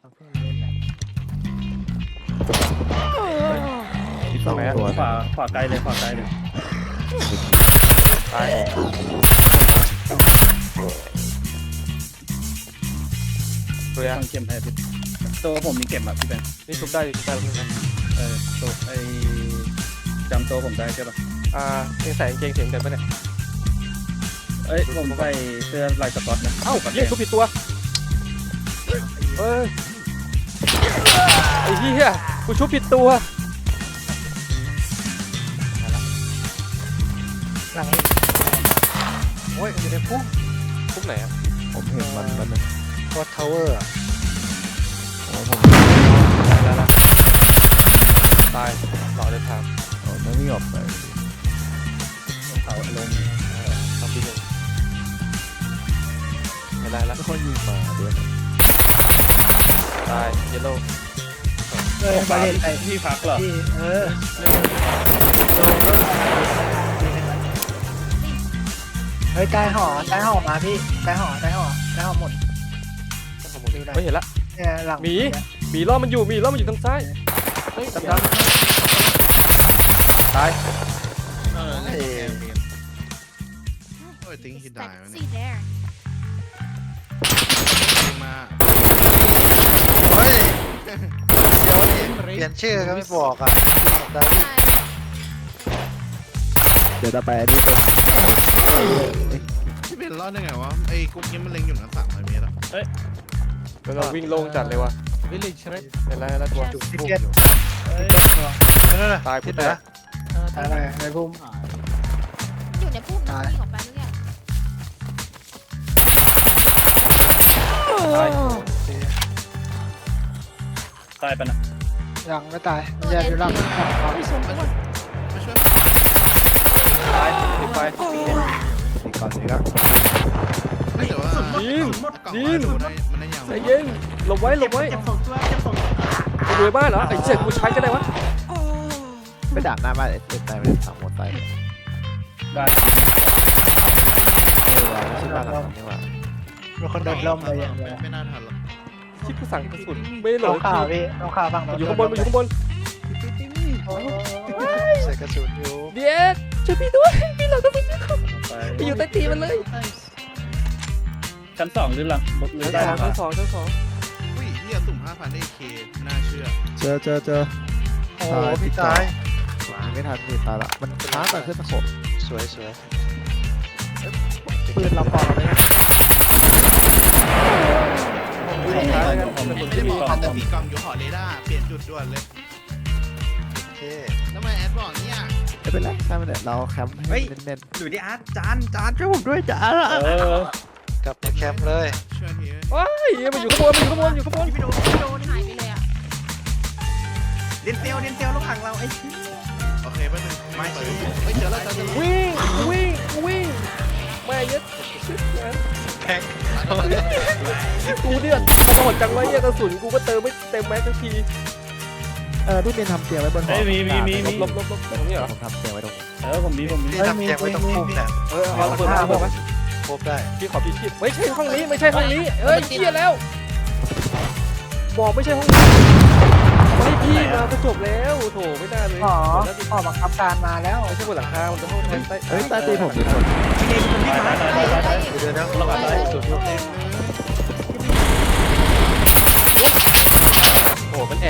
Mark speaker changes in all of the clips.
Speaker 1: เพิ่งเล่นนะ
Speaker 2: ที่สองตัว
Speaker 3: ขวาไกลเลยขวาไกลเลย
Speaker 2: ตายตัวยั
Speaker 3: ต้
Speaker 2: ง
Speaker 3: องเข้มให้พี่ตัวผมมีเก็บอ่ะพี่เป็น
Speaker 2: นี่ทุบได้ทุบได้ทุบได้
Speaker 3: ตัวไอจำตัวผมได้ใช่ป่ะ
Speaker 2: ยังใส่กางเกงเสียงกันปะเนี่ย
Speaker 3: เอ้ยผมใส่เสื้อลายสก๊อตนะ
Speaker 2: เอ้าเหี้ยทุบผิดตัวเอ้ยไอ้เหี้ยกูชุบผิดตัว
Speaker 1: หลังนี้โอ้ยอยู่ในพุ่ม
Speaker 2: ทุบไหนอ่ะ
Speaker 4: ผมเห็นมันนึง
Speaker 1: วอทาวเวอร์
Speaker 4: โอ้ผม
Speaker 2: แล้วละตายหล่อเดินทาง
Speaker 4: ไม่วิ่งออกไป
Speaker 3: เขาลง
Speaker 2: ทำปีหนึ่งไม่ได้แล้ว
Speaker 4: ไม่ค่อยยิงมาด้วย
Speaker 2: ตายเยลโล่
Speaker 1: บาเลนไป
Speaker 3: ที่พักเหรอ
Speaker 1: ที่เฮ้ยใต้หอมาพี่ใต้หอหมด
Speaker 2: ไม่เห็นละ
Speaker 1: เนี่ยหลัง
Speaker 2: หมีล้อมันอยู่ทางซ้ายเฮ้ยดำตาย
Speaker 4: โอ้ยทิ้งหินได้ไหมเนี่ย
Speaker 5: See there.
Speaker 4: มา
Speaker 1: เฮ้ยเดี๋ยวเปลี่ยนชื่อก็ไม่บอกอ่ะ
Speaker 4: เดี๋ยวจะไปอันนี้ตัวที่เป็นรอดได้ไงวะไอ้กุ๊กนี้มันเล็งอยู่นะ300 เมตรอะ
Speaker 2: แล้วก็วิ่งลงจัดเลยว่ะ
Speaker 1: Village ใช่ไหม
Speaker 2: เห็นแล้วตัว
Speaker 5: Just
Speaker 1: ทิเก็ต
Speaker 6: นั่นน่ะ
Speaker 2: ตายพูดแต่
Speaker 1: อะไรในพุ่ม
Speaker 5: อยู่ในพุ่มนะวิ่งออกไปเรื่อย
Speaker 2: ตาย
Speaker 3: ตายไปนะ
Speaker 1: ยังไม่ตายมันจะอยู่หลัง
Speaker 4: มาช่วย
Speaker 2: ตายติดไฟ
Speaker 4: อีกก่อนนี้ก็ไม่แต่ว่า
Speaker 2: ยิง
Speaker 4: มันได้ยาว
Speaker 2: ใจเย็นหลบไว้กูอยู่ในบ้านเหรอไอ้เจ็ดกูใช้ก็ได้วะ
Speaker 4: ไปดักหน้าบ้านเอ็ดตายไปสามหมดตาย
Speaker 3: ได้
Speaker 4: ไม่ใช่บ้านหลังนี้ว่ะ
Speaker 1: มีคนโดนล่มเลยอย่างเดียว
Speaker 4: ไม่น่าทันหรอก
Speaker 2: ชิบกูสั่งกระสุนไม่หล
Speaker 1: ต้อบ งข่าวพี่ต้องข่าวฟัง
Speaker 2: อยู่ข้างบนอยู่ข้างบน
Speaker 1: ใส่กระสุนอยู่
Speaker 2: เดียดช่วยพี่ด้วยพี่หลังกระสุนไปอยู่ใต้ตีมันเลย
Speaker 3: ชั้น2หรือหลังหรือได้หลัง
Speaker 2: ชั้นสอง
Speaker 4: อุ้ยเนี่ยสุ่ม 5,000 ได้เคน่าเชื่อเจอ
Speaker 1: โอ้พี่ตาย
Speaker 4: ไม่ทันพี่ตายละมันช้าแต่ขึ้นตะขบ
Speaker 1: สวยปืนเราปอกเลยนะ
Speaker 3: ไม่ได้บอก
Speaker 4: พันแต่มีกล่องอยู่หอเรดาร์เปลี่ยนจุดด่วนเลย
Speaker 1: โอเค
Speaker 4: แล้วทำไมแอดบอกเนี่ยไม่เป็นไรใช่ไหมเนี่ยเราแคมป์ให้เน้น
Speaker 6: อยู่ที่อาร์ตจานช่วยผมด้วยจาน
Speaker 1: กลับในแคมป์เลย
Speaker 4: ๆช่วยที
Speaker 2: ว้ายมันอยู่ข้างบน
Speaker 5: ๆไม่โดนหายไปเลยอ่ะ
Speaker 6: เดนเซลระหว่างเราไอ้
Speaker 4: โอเคแป๊บนึงไม่เจอเฮ้ยเจอแล้ว
Speaker 2: วิ่งแม่ยัดกูเนี่ยมันโหดจังวะเหี้ยกระสุนกูก็เติมไม่เต็มแม็กซ์ทุกที
Speaker 4: พี่เป็นทำเตียงไว้บนหอ
Speaker 3: มี
Speaker 2: ลบตรงนี้เหรอ
Speaker 4: ผมทำเตียงไว้ตรงนี้
Speaker 3: ผมมี
Speaker 1: พี่ทำเตียงไว้ตรงพุ่มเนี่ย
Speaker 2: เอาเปิดมา
Speaker 1: ครบได้
Speaker 2: พี่ขอพี่ชิดไม่ใช่ห้องนี้เอ้ยเชี่ยแล้วบอกไม่ใช่ห้องนี้ไม่พี่มาก็จบแล้วโถไม่ได้เลย
Speaker 1: หอบังคับการมาแล้ว
Speaker 2: ไม่ใช่บนหลังคามันจะห้องแทนใต้
Speaker 4: เฮ้ยใต้ตีผมมีคน
Speaker 1: เดี๋ยวนะ
Speaker 3: ระวังได้
Speaker 1: สุดยอดเลย
Speaker 2: โอ้มันแอบ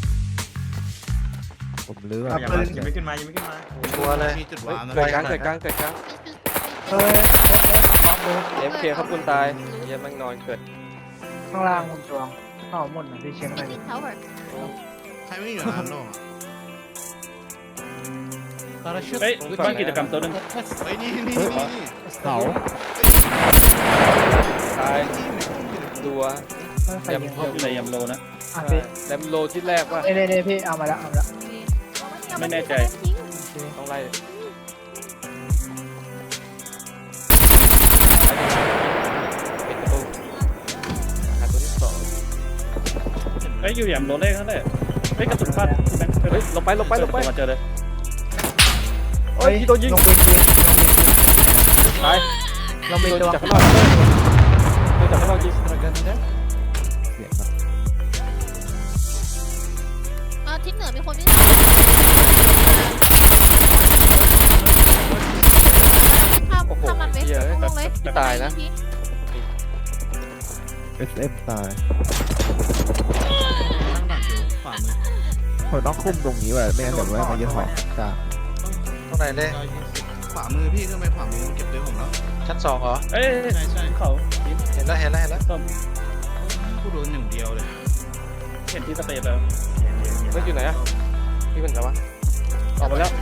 Speaker 4: ผมลื้อ
Speaker 6: ยังไม่ขึ้นมา
Speaker 1: ตัวเลย
Speaker 4: มีจุดวางนะ
Speaker 2: เกิดกลาง
Speaker 1: เฮ้ยพร้อมเลย
Speaker 2: FK ครับคุณตายเยี่ยมแม่งนอนเกิด
Speaker 1: ข้างล่างคุณตวงหอหมดนะพี่เช็คหน่อยดิ
Speaker 5: เขาแบบ
Speaker 4: ใครไม่อยู่ร้านโลก
Speaker 3: เฮ้ยบ้านกิจกรรมตัวนึง
Speaker 4: เฮ้ยนี่เสา
Speaker 2: ตายดัว
Speaker 1: ใครยิง
Speaker 3: อยู่ในยำโลนะ
Speaker 1: อ่ะพี่
Speaker 2: แลมโลที่แรกว่า
Speaker 1: เน่พี่เอามาแล้ว
Speaker 3: ไม่แน่ใจ
Speaker 2: ต้องไล่ปิดประตูหาตัวที่สอง
Speaker 3: เฮ้ยอยู่ยำโลเลขเท่าไหร่เฮ้ยกระสุนพลาด
Speaker 2: เฮ้ยลงไป
Speaker 3: มาเจอเลย
Speaker 2: โอ้ยพี่โดนยิง
Speaker 1: ลงไปที
Speaker 2: ตาย
Speaker 1: ลงไป
Speaker 2: โดน
Speaker 1: ตัว
Speaker 2: จากข้างนอกโดนจากข้างนอกยิง
Speaker 4: เสียงครับ
Speaker 5: ทิศเหนือมีคนวิ่งข้าม
Speaker 2: โอ้โห
Speaker 5: ข้ามมันไป
Speaker 2: เหี้ย
Speaker 5: ลงเลย
Speaker 2: ตายนะ
Speaker 7: SM ตาย
Speaker 4: ตั้งดักอยู่ขวามือ
Speaker 7: ผมต้องคุมตรงนี้ไว้ไม่งั้นเดี๋ยวแม่งมายึดหอกจ้า
Speaker 1: ตรงไหนเลย
Speaker 4: ขวามือพี่ขึ้นไปขวามือเก็บด้วยผมแล้ว
Speaker 1: ชั้น2เหรอ
Speaker 3: เอ้ย
Speaker 4: ใช่ใช่
Speaker 3: เขา
Speaker 1: เห็นแล้วเห็นแล้วเห็นแล้ว
Speaker 3: ส้ม
Speaker 4: กูโดนหนึ่งเดียวเลย
Speaker 3: เห็นที่สเปรย์แล้ว
Speaker 2: เฮ้ยอยู่ไหนอะพี่เป็นไงวะออกมาแล้ว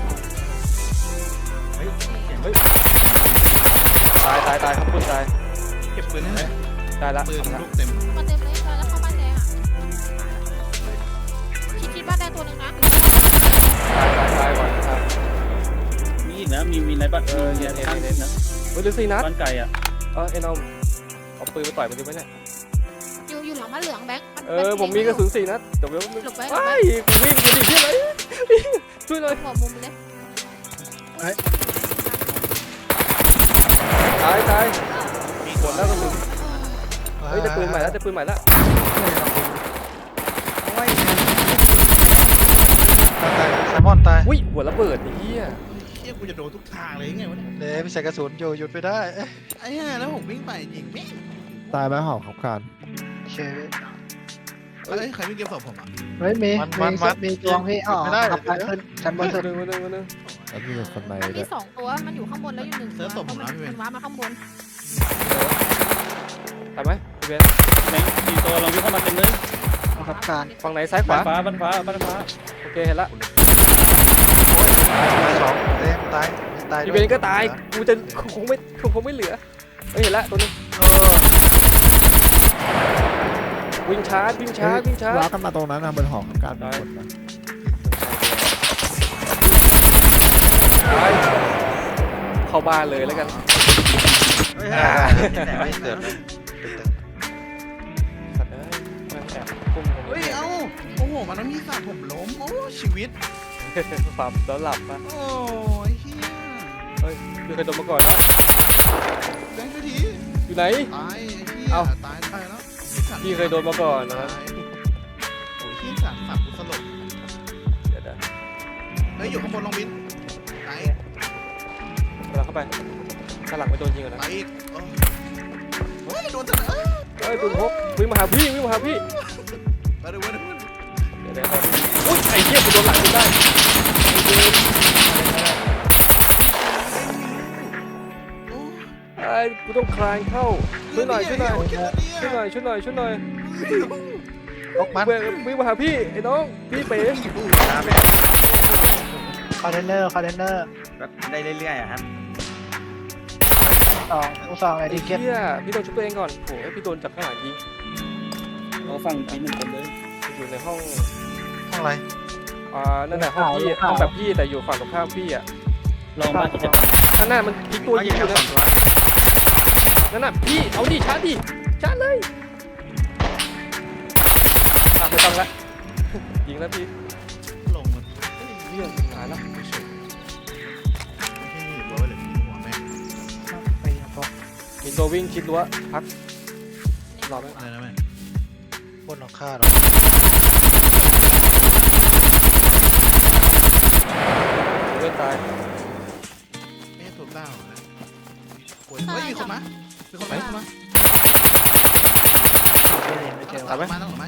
Speaker 2: ตายครับคุณตาย
Speaker 4: เก็บปืนให้หน่อย
Speaker 2: ตายละ
Speaker 4: ปืนลูกเต็ม
Speaker 5: มาเต็มเลยแล้วเข้าบ้านแดงอ่ะคิดบ้านแดงตัวหนึ่งนะ
Speaker 2: ตายก่อนตาย
Speaker 3: มีอีกนะมีในบ้านเนี่ยข้างนะ
Speaker 2: เฮ้ยเหลือ4 นัด
Speaker 3: บ้านไก่อ่ะ
Speaker 2: เอ็นเอาปืนไปต่อยมันดีไหมเนี่ย
Speaker 5: อยู่หลังบ้านเหลืองแบงค์
Speaker 2: ผมมีกระสุน4 นัดเดี๋ยวไม่
Speaker 5: หลบไว้
Speaker 2: ไอ้กูวิ่งกูดิช่วยหน่อยช่วยหน่อย
Speaker 5: หัวมุมเลย
Speaker 2: ตายหมดแล้วกระสุนเฮ้ยได้ปืนใหม่แล้วได้ปืนใหม่แล้ว
Speaker 1: ตายแซลมอนตาย
Speaker 2: อุ้ยหัวระเบิดไอ้เหี้ย
Speaker 4: เฮียกูจะโดนทุกทางเลยยังไงวะเนี่ย
Speaker 1: เดี๋ยวพี่ใส่กระสุนอยู่หยุดไม่ได้
Speaker 4: ไอ้เหี้ยแล้วผมวิ่งไปยิงแม่ง
Speaker 7: ตายไหมหอกขับการ
Speaker 1: โอเค
Speaker 4: เอ้ยใครวิ่งเก็บศพผมอ่ะ
Speaker 8: เฮ้ยมี
Speaker 1: มัน
Speaker 8: มีจวงพี่อ๋อ
Speaker 1: ไม่ได้
Speaker 8: ขับไปขึ้นชั้นบนสุด
Speaker 2: มาหนึ่ง
Speaker 7: แล้วมีคนใน
Speaker 5: มัน
Speaker 7: ด้
Speaker 5: มี
Speaker 7: วย
Speaker 5: 2 ตัวมันอยู่ข้างบนแล้วอยู่1 ตัวมันว้ามาข้างบน
Speaker 2: ตายไหมพี่เบน
Speaker 3: แบงค์4 ตัวลองวิ่งเข้ามาเต็มเลย
Speaker 8: ขับการ
Speaker 2: ฝั่งไหนซ้ายข
Speaker 3: บ้า
Speaker 2: วาน
Speaker 3: ฟ้าบ้านฟ้าบ้านฟ้า
Speaker 2: โอเคเห็นละ
Speaker 1: ตาย2เอ้ยตายตาย
Speaker 2: พี่เบนก็ตายกูจะคงไม่เหลือเฮ้ยเห็นละตัวนึงวิ่งช้า
Speaker 7: ว้ากันมาตรงนั้นนะบนหอกขับการเป็นคนนะ
Speaker 2: ตายเข้าบ้านเลยแล้วกัน
Speaker 1: ไม่เกิดเลย
Speaker 2: สัตว์เอ้ยแม่งแอบพุ่งตรง
Speaker 4: เฮ้ย
Speaker 2: นี้
Speaker 4: เอ้าโอ้โหมันต้องมีสัตว์ผมล้มโอ้ชีวิต
Speaker 2: ปรับแล้วหลับปะ
Speaker 4: โอ้ยเฮีย
Speaker 2: เฮ้ยพี่เคยโดนมาก่อนนะ
Speaker 4: แบงค์ช่วยที
Speaker 2: อยู่ไหน
Speaker 4: ตายไอ้เฮีย
Speaker 2: เอ้า
Speaker 4: ตายแล้ว
Speaker 2: พี่เคยโดนมาก่อนนะครับ
Speaker 4: โอ้ยเฮียสัตว์กูสลบ
Speaker 2: เดี๋ยว
Speaker 4: เฮ้ยอยู่ข้างบนลองบินตาย
Speaker 2: เราเข้าไปข้างหลังไม่โดนยิงก่อนนะ
Speaker 4: ตายอีกโอ้ยโดนจังเลย
Speaker 2: เฮ้ยปืนพกวิ่งมาหาพี่
Speaker 4: ไปเลยเว้ย
Speaker 2: เดี๋ยวอุ้ยไอ้เหี้ยกูโดนหลังกูได้ไอ้กูต้องคลานเข้าช่วยหน่อย
Speaker 1: ลกมัน
Speaker 2: วิ่งมาหาพี่ไอ้น้องพี่เป๋
Speaker 8: คอนเทนเนอร์
Speaker 6: แบบได้เรื่อยๆอะครับ
Speaker 8: 2ไอ้ดิเก็ต
Speaker 2: เหี้ยพี่โดนชุบตัวเองก่อนโอ้ยพี่โดนจากข้างหลังยิง
Speaker 3: เราฟังที1 คนเลย
Speaker 2: อยู่ในห้อง
Speaker 1: ห้องอะไร
Speaker 2: นั่นแหละห้องพี่ห้องแบบพี่แต่อยู่ฝั่งตรงข้ามพี่อ่ะ
Speaker 3: ลองบ้านจะ
Speaker 2: ข้างหน้ามันพลิกตัวยิงอยู่นะนั่นน่ะพี่เอาดิชาร์จเลยไม่ต้องละยิงแล้วพี่
Speaker 4: ลงมัน
Speaker 2: เหี้ยตายแล้ว
Speaker 4: ไม่ใช่รั้วเลยมีหัวแม่
Speaker 8: ไปพก
Speaker 2: มีตัววิ่งชิดรั้วพักรอไหม
Speaker 4: อะไรนะแม่
Speaker 1: บนหลังคาหรอ
Speaker 2: เลื่อนตาย
Speaker 4: แม่ตัวเต้านะโอ้ยเฮ้ยมีคนมาไม่เจอมาต้องหรือไม่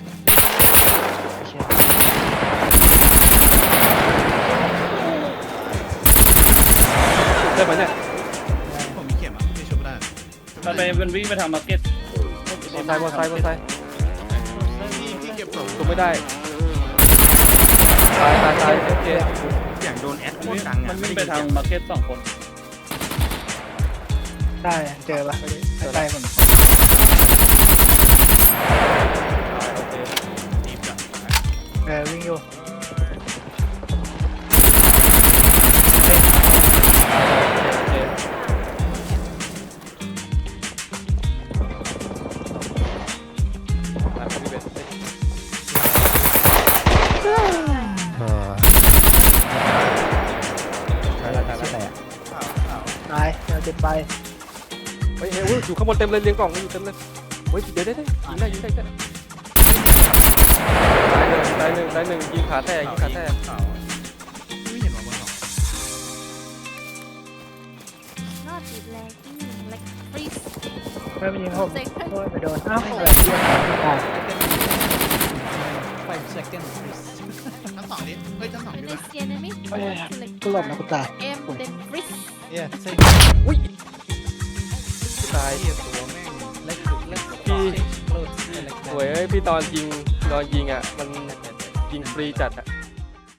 Speaker 2: ได้ไหมเนี่ย
Speaker 4: ผมมีเข็มอ่ะไม่ชุบได้
Speaker 3: มันวิ่งไปทางมาร์เก็ต
Speaker 2: มอไซค์
Speaker 4: ที่เก็บศพ
Speaker 2: ตัวไม่ได้ตายโอเค
Speaker 6: อย่างโดนแอดโคตรดัง
Speaker 3: มั
Speaker 6: อ่ะ
Speaker 3: นวิ่งไปทางมาร์เก็ต2 คน
Speaker 8: ได้เจอปะใกล้ๆผม
Speaker 2: โอเค
Speaker 4: จีบอ่ะ
Speaker 8: วิ่งอยู่
Speaker 2: โอเคพี่เบน ตายแล้ว
Speaker 8: ตายเดี๋ยวจะไป
Speaker 2: เฮ้ยอยู่ข้างบนเต็มเลยเรียงกล่องอยู่เต็มเลยเฮ้ยเดี๋ยวได้ยิงได้ตายหนึ่งได้หนึ่งยิงขาแตกยิงขาแตก
Speaker 4: ไม่เห็นว่าบนเขา
Speaker 5: นอดติดแรงเล็กฟรีส
Speaker 8: ไม่เป็นยิงผม
Speaker 5: เซ็ก
Speaker 8: โอ้ยไปโดนอ้าวตาย
Speaker 4: ชั้นสองดิเฮ้ยชั้นสอง
Speaker 5: เป็น
Speaker 4: ดิ
Speaker 5: ใน
Speaker 4: วะ
Speaker 5: เซียนนะมิ
Speaker 8: กูหลบนะกูตาย
Speaker 5: เอ็มเดนฟรีส
Speaker 2: อุ้ยตาย
Speaker 4: เหี้ยตัวแม่ง
Speaker 2: พี่สวยเอ้ยพี่ตอนยิงอ่ะมันยิงฟรีจัดอ่ะ